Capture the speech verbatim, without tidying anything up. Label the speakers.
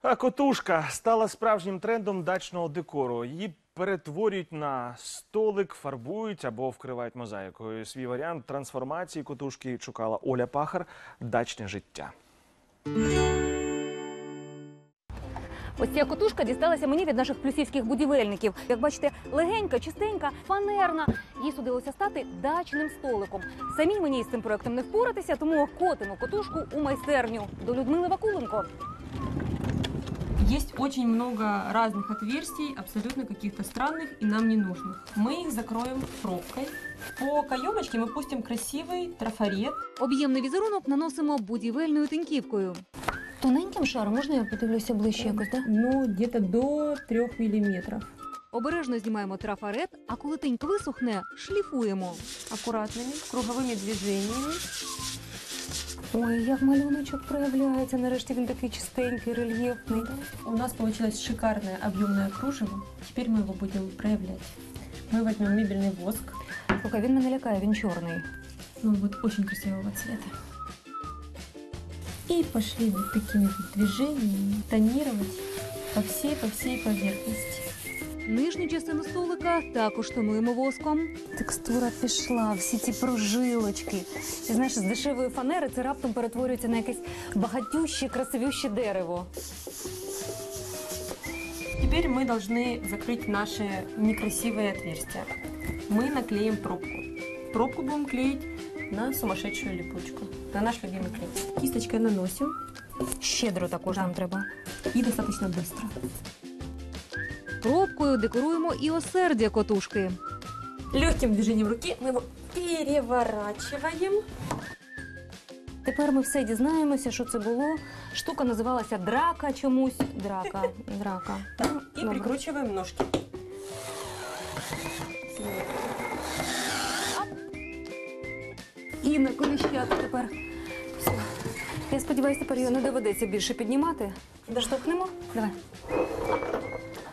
Speaker 1: А котушка стала справжнім трендом дачного декору. Її перетворюють на столик, фарбують або вкривають мозаїкою. Свій варіант трансформації котушки шукала Оля Пахар «Дачне життя».
Speaker 2: Ось ця котушка дісталася мені від наших плюсівських будівельників. Як бачите, легенька, чистенька, фанерна. Їй судилося стати дачним столиком. Самі мені з цим проектом не впоратися, тому котимо котушку у майстерню до Людмили Вакуленко.
Speaker 3: Есть очень много разных отверстий, абсолютно каких-то странных и нам не нужных. Мы их закроем пробкой. По каемочке мы пустим красивый трафарет.
Speaker 2: Об'ємний візерунок наносимо будівельною тиньківкою. Тоненьким шаром, можна я подивлюся ближче якось, так?
Speaker 3: Ну, где-то до трёх миллиметров.
Speaker 2: Обережно знімаємо трафарет, а коли тинька висохне, шліфуємо.
Speaker 3: Аккуратными, круговыми движениями.
Speaker 2: Ой, як малюночок проявляється. Нарешті він такий чистенький, рельєфний.
Speaker 3: У нас получилось шикарное объемное кружево. Теперь мы его будем проявлять. Мы возьмем мебельный воск.
Speaker 2: Слухай, він мене лякає, він чорний.
Speaker 3: Ну, вот очень красивого цвета. И пошли вот такими вот движениями тонировать по всей, по всей поверхности.
Speaker 2: Нижню частину столика також тонуємо воском. Текстура пішла, всі ці прожилочки. І знаєш, з дешевої фанери це раптом перетворюється на якесь багатюще, красивюще дерево.
Speaker 3: Теперь мы должны закрыть наши некрасивые отверстия. Мы наклеим пробку. Пробку будем клеить на сумасшедшую липучку, на наш любимый клей. Кисточкой наносим.
Speaker 2: Щедро також нам треба.
Speaker 3: И достаточно быстро.
Speaker 2: Пробкою декоруємо і осердя котушки.
Speaker 3: Легким движением руки мы его переворачиваем.
Speaker 2: Тепер ми все дізнаємося, що це було. Штука називалася драка чомусь. Драка, драка.
Speaker 3: Так, и
Speaker 2: Добре.
Speaker 3: прикручиваем ножки.
Speaker 2: І на коліщата тепер. Все. Я сподіваюся, тепер його не доведеться більше піднімати. Доштовхнемо? Давай.